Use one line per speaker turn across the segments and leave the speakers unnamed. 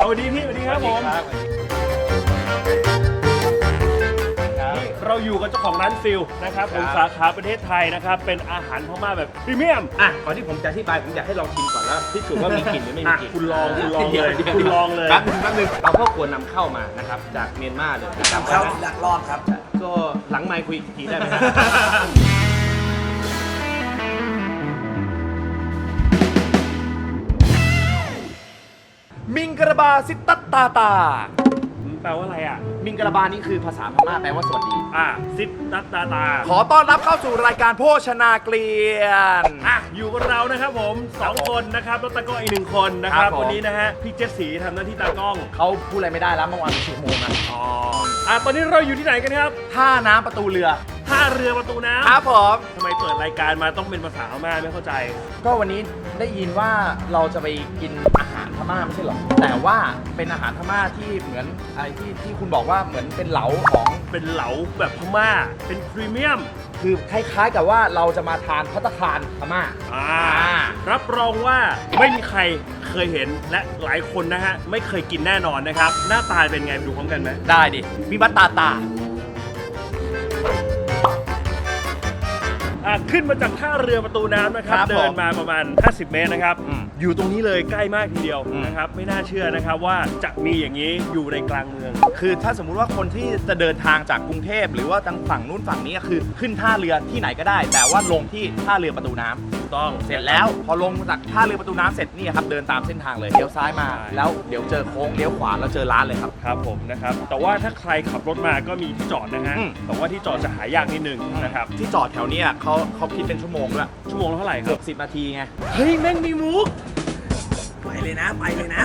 สวัสดีพี่สวัสดีครับผมเราอยู่กับเจ้าของร้านฟิลนะครับผมสาขาประเทศไทยนะครับเป็นอาหารพม่าแบบพรีเมียม
ก่อนที่ผมจะอธิบายผมอยากให้ลองชิมก่อนแล้วพิสูจน์ว่ามีกลิ่นหรือไม่มีกลิ่น
คุณลองเลยคุณลองเลย
แป๊บนึงเราก็ควรนำเข้ามานะครับจากเมียนมาเลยนะครับ
เข้าลักลอบครับ
ก็หลังไมค์คุยอีกทีได้ไหม
มิงกระบาซิตัตตาตา
แปลว่าอะไรอ่ะ
มิงกระบานี่คือภาษาพม่าแปลว่าสวัสดี
ซิดตัตตาตา
ขอต้อนรับเข้าสู่รายการโภชนาเกลียน
อยู่กับเรานะครับผม2คนนะครับแล้วตากล้องอีก1คนนะครับวันนี้นะฮะพี่เจสสีทำหน้าที่ตากล้อง
เขาพูดอะไรไม่ได้แล้วเมื่อวาน10 โมงนะ
ตอนนี้เราอยู่ที่ไหนกันครับ
ท่าน้ำประตูเรือ
ท่าเรือประตูน้ำ
ครับผม
ทำไมเปิดรายการมาต้องเป็นภาษาพม่าไม่เข้าใจ
ก็วันนี้ได้ยินว่าเราจะไปกินอาหารพม่าไม่ใช่หรอแต่ว่าเป็นอาหารพม่าที่เหมือนอะไรที่คุณบอกว่าเหมือนเป็นเหลาของ
เป็นเหลาแบบพม่าเป็นพรีเมียม
คือคล้ายๆกับว่าเราจะมาทานภัตตาคารพม่า
รับรองว่าไม่มีใครเคยเห็นและหลายคนนะฮะไม่เคยกินแน่นอนนะครับหน้าตาเป็นไงดูพร้อมกันไหม
ได้ดิวิบัตตาตา
ขึ้นมาจากท่าเรือประตูน้ำนะครับเดินมาประมาณ50 เมตรนะครับอยู่ตรงนี้เลยใกล้มากทีเดียวนะครับไม่น่าเชื่อนะครับว่าจะมีอย่างนี้อยู่ในกลางเมือง
คือถ้าสมมุติว่าคนที่จะเดินทางจากกรุงเทพหรือว่าทางฝั่งนู้นฝั่งนี้คือขึ้นท่าเรือที่ไหนก็ได้แต่ว่าลงที่ท่าเรือประตูน้ำ
ถูกต้อง
เสร็จแล้วพอลงจากท่าเรือประตูน้ำเสร็จนี่ครับเดินตามเส้นทางเลยเลี้ยวซ้ายมาแล้วเดี๋ยวเจอโค้งเลี้ยวขวาแล้วเจอร้านเลยครับ
ครับผมนะครับแต่ว่าถ้าใครขับรถมาก็มีที่จอดนะฮะแต่ว่าที่จอดจะหายากนิดนึงนะครับ
ที่จอดแถวนี้เขาคิดเป็นชั่วโมงด้วย
ชั่วโมงเท่าไหร่ครับ
10 นาทีไง
เฮ้ยแม่งมีมุก
ไปเลยนะ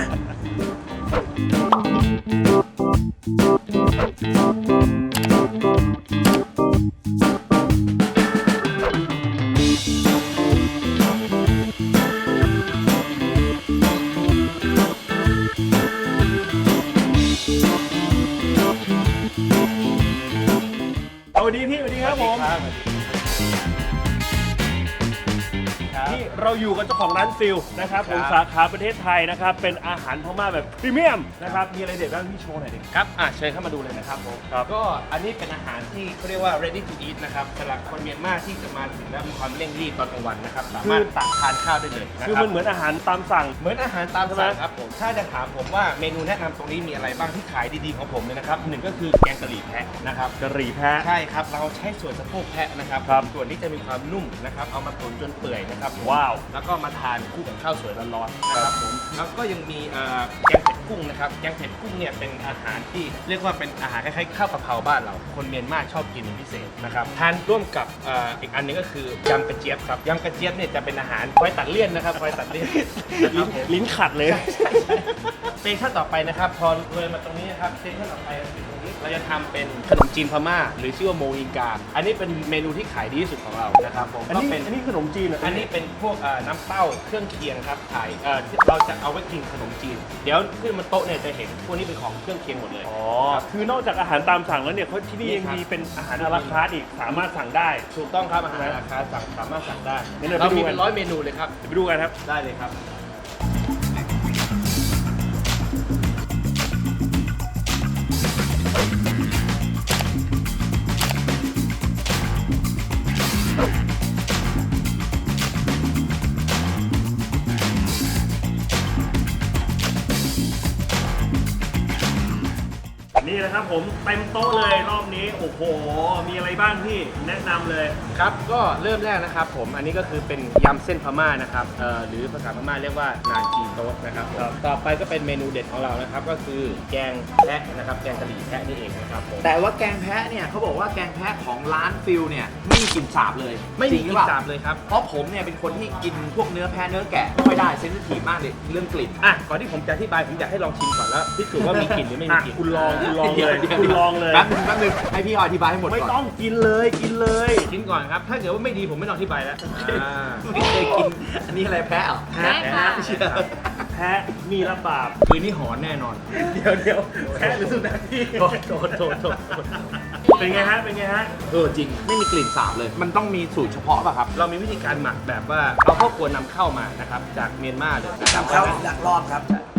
สวัสดีพี่สวัสดีครับผมนี่เราอยู่กับเจ้าของร้านฟิลนะครับผมสาขาประเทศไทยนะครับเป็นอาหารพม่าแบบพรีเมียมนะครับมีอะไรเด็ดบ้างพี่โชว์หน่อยดิ
ครับเชิญเข้ามาดูเลยนะครับผมก็อันนี้เป็นอาหารที่เขาเรียกว่า ready to eat นะครับสำหรับคนเมียนมาที่จะมาถึงแล้วมีความเร่งรีบตอนกลางวันนะครับสามารถตักทานข้าวได้เลย
คือมันเหมือนอาหารตามสั่ง
เหมือนอาหารตามสั่งครับผมถ้าจะถามผมว่าเมนูแนะนำตรงนี้มีอะไรบ้างที่ขายดีๆของผมเนี่ยนะครับหนึ่งก็คือแกงกะหรี่แพะนะครับ
กะหรี่แพะ
ใช่ครับเราใช้ส่วนสะโพกแพะนะครับส่วนนี้จะมีความนุ่มนะครับเอามาตุ๋นจนเปื่อยนะครับ
ว้าว
แล้วก็มาทานคู่กับข้าวสวยร้อนๆนะครับผมแล้วก็ยังมีแกงเผ็ดกุ้งนะครับแกงเผ็ดกุ้งเนี่ยเป็นอาหารที่เรียกว่าเป็นอาหารคล้ายๆข้าวกะเพราบ้านเราคนเมียนมาชอบกินเป็นพิเศษนะครับทานร่วมกับอีกอันนึงก็คือยำกระเจี๊ยบครับยำกระเจี๊ยบเนี่ยจะเป็นอาหารคอยตัดเลี่ยนนะครับคอยตัดเลี่ยน
ลิ้นขัดเลย
เซสชั่นต่อไปนะครับพอเลยมาตรงนี้นะครับเซสชั่นต่อไปเราจะทำเป็นขนมจีนพม่าหรือชื่อว่าโมอิงกาอันนี้เป็นเมนูที่ขายดีที่สุดของเรานะครับผม
อันนี้ขนมจีน
อันนี้เป็นพวกน้ำเต้าเครื่องเคียงครับขายเราจะเอาไว้กินขนมจีนเดี๋ยวขึ้นมาโต๊ะเนี่ยจะเห็นพวกนี้เป็นของเครื่องเคียงหมดเลย
คือนอกจากอาหารตามสั่งแล้วเนี่ยเขาที่นี่ยังมีเป็นอาหารอาราคาร์ทอีกสามารถสั่งได้
ถูกต้องครับอาหารอาราคาร์ทสามารถสั่งได้เรามีเป็น100 เมนูเลยครับ
ไปดูกันครับ
ได้เลยครับ
นี่นะครับผมเต็มโต๊ะเลยรอบนี้โอ้โหมีอะไรบ้างที่แนะนำเลย
ครับก็เริ่มแรกนะครับผมอันนี้ก็คือเป็นยำเส้นพม่านะครับหรือภาษาพม่าเรียกว่านาจีโต๊ะนะครับต่อไปก็เป็นเมนูเด็ดของเรานะครับก็คือแกงแพะนะครับแกงกะหรี่แพะนี่เองนะครับผม
แต่ว่าแกงแพะเนี่ยเขาบอกว่าแกงแพะของร้านฟิลเนี่ยไม่มีกลิ่นสาบเลย
ไม่มีกลิ่นสาบเลยครับ
เพราะผมเนี่ยเป็นคนที่กินพวกเนื้อแพะเนื้อแกะไม่ค่อยได้เซนซิทีฟมากเลยเรื่องกลิ่น
ก่อนที่ผมจะอธิบายผมอยากให้ลองชิมก่อนแล้วพิสูจน์ว่ามีกลิ่นหรือไม่มีกลิ่น
คุณลองเลยคุณลองเลย
แป๊บนึงให้พี่อธิบายให้หมดก่อน
ไม่ต้องกินเลยกิน
ก่อนครับถ้าเกิดว่าไม่ดีผมไม่ต้องอธิบายแล้ว
ไม่เคยกินอันนี้อะไรแพะเหรอ
แพะมีระบาด
คืนนี้หอนแน่นอน
เดี๋ยวแพะหรือสุนัขพี่โทษเป็นไงฮะ
จริงไม่มีกลิ่นสาบเลยมันต้องมีสูตรเฉพาะป่ะครับ
เรามีวิธีการหมักแบบว่าเราก็ควรนำเข้ามานะครับจากเมียนมาเลยนะครับ
เข้าลักลอบครับ
ก็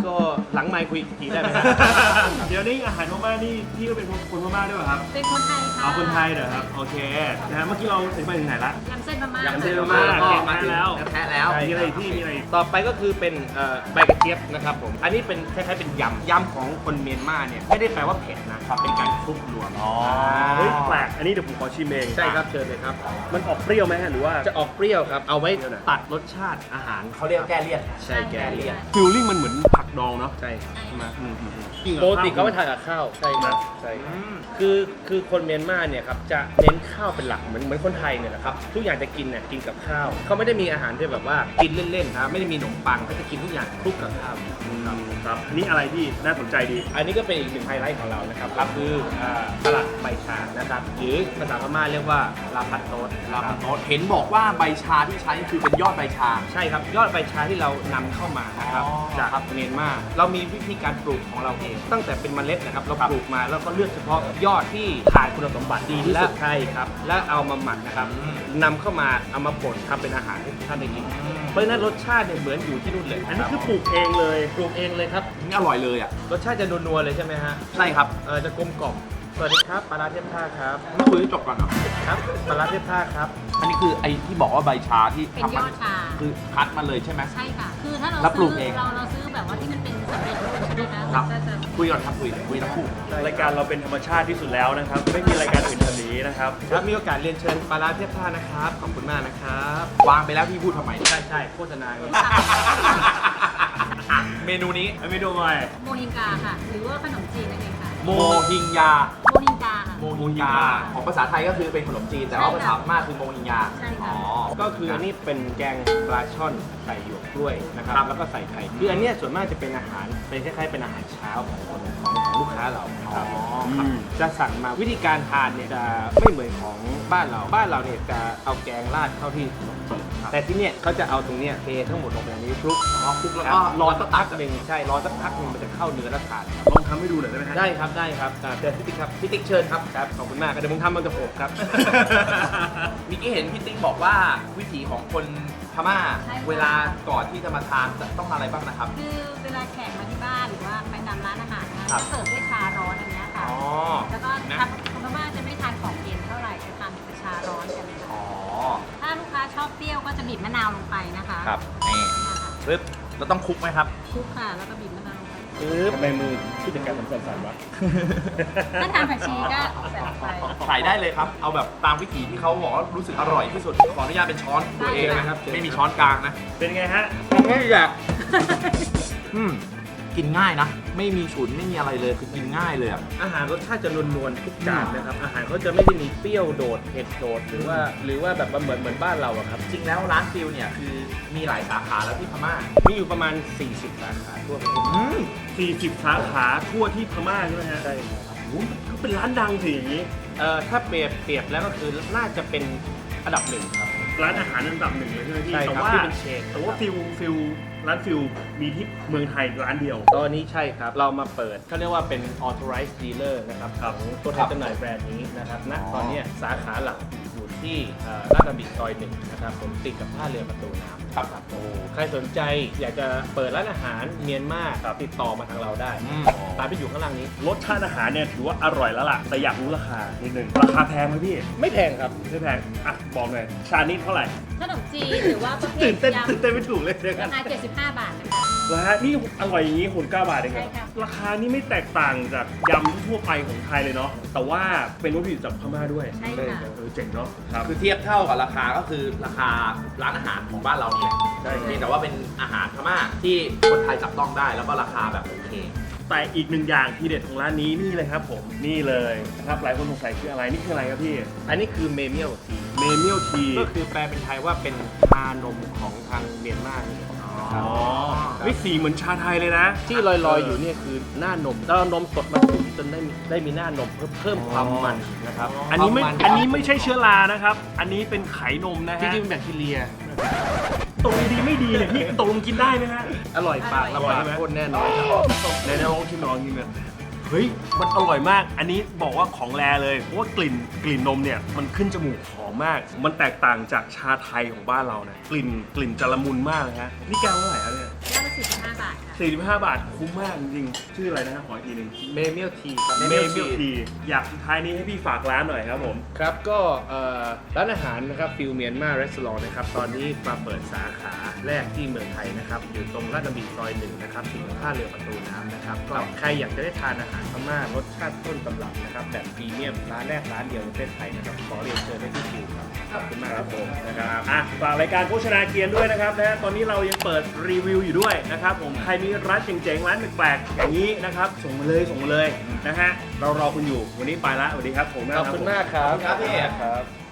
ก็หลังไมค์คุยอีกทีได้ไหม
เดี๋ยวนี้อาหารพม่านี่พี่ก็เป็นคนพม่าด้วยเหรอครับ
เป็นคนไทยค่ะ
เอาคนไทยเหรอครับโอเคนะฮะเมื่อกี้เราถึงไปถึงไหนละ
ยำเส้นพม่าย
ำเส้น
พม่า
ก็
แกง
มาถึง
แล้ว
แท้แล้ว
ใช่
มีอะไรอีกพี่มีอะไรอีก
ต่อไปก็คือเป็นใบกระเจี๊ยบนะครับผม อันนี้เป็นคล้ายๆเป็นยำของคนเมียนมาเนี่ยไม่ได้แปลว่าเผ็ดนะครับ เป็นการคลุกรวม
เฮ้ยแปลกอันนี้เดี๋ยวผมขอชิมเอง
ใช่ครับเชิญเลยครับ
มันออกเปรี้ยวไหมฮะหรือว่า
จะออกเปรี้ยวครับ เอาไว้ตัดรสชาติอาหาร
เขาเรียกแก้เลี่ยน
ใช่แกเลี่ยน
ฟิลลิ่งมันเหมือนผักดองเนาะ
ใช่มา
กินกับ
ปกติ
ข้าว
เขาไปทานกับข้าวใช่ครับใช่คือคนเมียนมาเนี่ยครับจะเน้นข้าวเป็นหลักเหมือนคนไทยเนี่ยแหละครับทุกอย่างจะกินเนี่ยกินกับข้าวเขาไม่ได้มีอาหารที่แบบว่ากินเล่นๆครับไม่ได้มีขนมปังเขาจะกินทุกอย่างคลุกกับข้าวครับ
ครับอันนี่อะไรพี่น่าสนใจดี
อันนี้ก็เป็นอีกหนึ่งไฮไลท์ของเรานะครับคือสลัดใบชานะครับหรือภาษาพม่าเรียกว่าลาพัตโตส
ลาพันโนตเห็นบอกว่าใบชาที่ใช้คือเป็นยอดใบชา
ใช่ครับยอดใบชาที่เรานำเข้ามานะครับ
อ๋อ
จากเมียนมาเรามีวิธีการปลูกของเราเอง ตั้งแต่เป็นเมล็ดนะครับเราปลูกมาแล้วก็เลือกเฉพาะยอดที่ผ่านคุณสมบัติดีที่สุดใช่ครับและเอามาหมักนะครับนำเข้ามาเอามาป่นทำเป็นอาหารให้ทุกท่านได้กินเพราะฉะนั้นรสชาติเนี่ยเหมือนอยู่ที่นู่นเลย
อันนี้คือปลูกเองเลย
ปลูกเองเลยครับ
นี่อร่อยเลยอ่ะ
รสชาติจะนัวๆเลยใช่ไหมฮะ
ใช่ครับ
จะกลมกล่อมสวัสดีครับปลาร้าเทพท่าครับ
ไม่คุยให้จบก่อนเหรอ
ครับปลาร้าเทพท่าครับ
อันนี้คือไอ้ที่บอกว่าใบชาที่
เป็น
ทำ
ย
มา
อดชา
คือคัดมาเลยใช่ไหม
ใช่ค่ะ คือถ้าเรา
แล้วปลู
ซื้
กเอง
เราซื้อแบบว่าที่มันเป็นสำเร็จรูปใช่ไหมคะ
ครับ
ก็จะ
คุยก่อนครับคุยทั้งคู่
รายการเราเป็นธรรมชาติที่สุดแล้วนะครับ ไม่มีรายการอื่นแบบนี้นะครับ
ครับมีโอกาสเรียนเชิญปลาร้าเทพท่านะครับขอบคุณมากนะครับ
วางไปแล้วพี่พูดทำไม
ใช่โฆษณาอย่างนี้
อ่ะเมนูนี้
ไม่ดูหน่อย
โมฮิงกาค่ะ หรือว่าขนมจีนนั่นเองค่ะ
โมฮิงยา
โมฮิงกาค่ะ
โมฮิงยา ของภาษาไทยก็คือเป็นขนมจีน แต่ว่าภาษาพม่าคือโมฮิงยา
ใช่ค่ะ
อ๋อ
ก็คืออันนี้เป็นแกงปลาช่อนใส่หยวกกล้วยนะครับ
ครับ
แล้วก็ใส่ไข่คืออันเนี้ยส่วนมากจะเป็นอาหารเป็นคล้ายๆเป็นอาหารเช้าของลูกค้าเราครับ
อ๋อ
ครับจะสั่งมาวิธีการทานเนี่ยจะไม่เหมือนของบ้านเราเนี่ยจะเอาแกงราดเข้าที่ขนมจีนแต่ที่เนี่ยเขาจะเอาตรงเนี้ยเททั้งหมดลงไปในนี้คลุก
อ๋อคลุกแล้ว
ค
ก็
รับรอสักพักหนึ่งใช่รอสักพักหนึ่งมันจะเข้าเนื้อแล้วทาน
ลองทำให้ดูหน่อยได้ไหมฮะ
ได้ครับเชิญพี่ติ๊กครับพี่ติ๊กเชิญครับครับขอบคุณมากครับเดี๋ยวผมทำมันกับผมครับ
เมื่อกี้เห็นพี่ติ๊กบอกว่าวิถีของคนพม่า
ใช่ค่ะ
เวลาก่อนที่จะมาทานจะต้องทานอะไรบ้างนะครับ
คือเวลาแขกมาที่บ้านหรือว่าไปตามร้านอาหารนะคะ
ครับ
จะเสิร์ฟด้วยชาร้อนอันเนี้ยค่ะ
อ๋อ
แล้วก็
นะ
ทางคนพม่าจะไม่ทานของเย็นเท่าไหร่จะทานเป็นชาร้อนกันเลยค่ะ
อ๋อ
ถ้าลูกค้าชอบเปรี้ยวก็จะบีบมะนาวลงไปนะคะ
ครับนี่
เนี่ยค่ะ
ปึ๊บเราต้องคลุกไหมครับ
คลุกค่ะ แล้วก็บีบมะนาวลงไป
ทำไมมือผู้จัดการผมสั่นๆวะ
ถ้าทานผักชีก็ใส่ลงไป
ใส่ได้เลยครับ เอาแบบตามวิถีที่เขาบอกว่ารู้สึกอร่อยที่สุด ขออนุญาตเป็นช้อนตัวเองนะครับ ไม่มีช้อนกลางนะ
เป็นไงฮะ
ไม่อยาก
กินง่ายนะ ไม่มีฉุนไม่มีอะไรเลยคือกินง่ายเลยอะ
อาหารรสชาติจะนวลๆทุกจานนะครับอาหารเขาจะไม่ได้มีเปรี้ยวโดดเผ็ดโดดหรือว่าแบบเหมือนบ้านเราอะครับ
จริงแล้วร้านฟิลเนี่ยคือมีหลายสาขาแล้วที่พม่า
มีอยู่ประมาณ 40 สาขาทั่วประเทศ
40 สาขาทั่วที่พม่าใช่ไหมฮะ
ใช่ครับ
โอ้โหก็เป็นร้านดังสิอย่างนี้
ถ้าเปรียบแล้วก็คือน่าจะเป็นอันดับหนึ่งครับ
ร้านอาหารอันดับหนึ่งเลยใช่ไหมพี่
ใช่ครับ
แต่ว่า
ที่เป็นเชน
แต่ว่าฟิลร้านฟิลมีที่เมืองไทยร้านเดียว
ตอนนี้ใช่ครับ เรามาเปิดเขาเรียกว่าเป็น authorized dealer นะครับของตัวแทนจำหน่ายแบรนด์นี้นะครับณตอนเนี้ยสาขาหลักอยู่ที่ลาดกระบังซอยหนึ่งนะครับผมติดกับท่าเรือประตูน้ำครับโอ้ใครสนใจอยากจะเปิดร้านอาหารเมียนมาติดต่อมาทางเราได้
อืม
ตามที่อยู่ข้างล่างนี้
รสชาติอาหารเนี่ยถือว่าอร่อยแล้วล่ะ แต่อยากรู้ราคานิดนึงราคาแพงไหมพี่
ไม่แพงครับ
ไม่แพงอ่ะบอกหน่อยชานี้เท่าไหร่
ขนมจีนหรือว่าประเภ
ตื่
ท
นเต้น
ย
ตื่นเต้นไม่ถูกเลยเดี๋ยว
ำ
กั
ราน คา75 บาทนะคะ
แล้วฮะนี่อร่อยอย่างนี้69 บาทเองเหรอ
ใช่ครับ
ราคานี่ไม่แตกต่างจากยำทั่วไปของไทยเลยเนาะแต่ว่าเป็นวัตถุดิบจากพม่าด้วย
ใช่ค่ะ
เจ๋งเนาะครับ
คือเทียบเท่ากับราคาก็คือราคาร้านอาหารของบ้านเรานี่แหละ
ใช่
เพียงแต่ว่าเป็นอาหารพม่าที่คนไทยจับต้องได้แล้วก็ราคาแบบโอเค
แต่อีกหนึ่งอย่างที่เด็ดของร้านนี้นี่เลยครับผมนี่เลยนะครับหลายคนสงสัยคืออะไรนี่คืออะไรครับพี่
อันนี้คือเมเมียลที
เมเมียลที
ก็คือแปลเป็นไทยว่าเป็นชานมของทางเมียนมาเนี่ยนะครับ
อ๋อไม่สีเหมือนชาไทยเลยนะ
ที่ลอยๆอยู่เนี่ยคือหน้านมแล้วเอานมสดมาตุ๋นจนได้มีหน้านมเพิ่มความมันนะครับ
อันนี้ไม่
ความ
อันนี้ไม่ใช่เชื้อรานะครับ อันนี้เป็นไขนมนะ
จ
ฮะ
ริงๆเป็นแบคทีเรีย
ตรงดีไม่ดีเนี่ยพี่ตรงกินได้ไหมฮะ
อร่อยปาก
อร่อยใช่ไหม
โคตรแน่นอนครับ
ในลองชิมลองชิมเลยเฮ้ยมันอร่อยมาก อันนี้บอกว่าของแรเลยเพราะว่ากลิ่นนมเนี่ยมันขึ้นจมูกหอมมาก มันแตกต่างจากชาไทยของบ้านเรานะกลิ่นจะละมุนมากเลยฮะนี่แก้วเท่าไหร่ครับเนี่ย
แก้วละ45 บาทค่ะ
45 บาทคุ้มมากจริงๆชื่ออะไรนะครับขออีกทีหนึง
เมเมียลทีครับ
เมลทีอยากสุดท้ายนี้ให้พี่ฝากร้านหน่อยครับผม
ครับก็ร้านอาหารนะครับฟิลเมียนมารีสอร์ทนะครับตอนนี้มาเปิดสาขาแรกที่เมืองไทยนะครับอยู่ตรงลาดกระบี่ซอย1นะครับติดกับท่าเรือประตูน้ำนะครับก็ใครอยากจะได้ทานอาหารพม่ารสชาติต้นตำรับนะครับแบบพรีเมียมร้านแรกร้านเดียวในประเทศไทยนะครับขอเรียนเชิญได้ที่คิวครับขอบคุณมากครับผม
นะครับฝากรายการโภชนาเกียรติด้วยนะครับนะตอนนี้เรายังเปิดรีวิวอยู่ด้วยนะครับผมใครมีร้านเจ๋งๆร้านแปลกๆอย่างนี้นะครับส่งมาเลยนะฮะเรารอคุณอยู่วันนี้ไปละสวัสดีครับผม
ขอบคุณมากครับ
ครับพี่
ครับ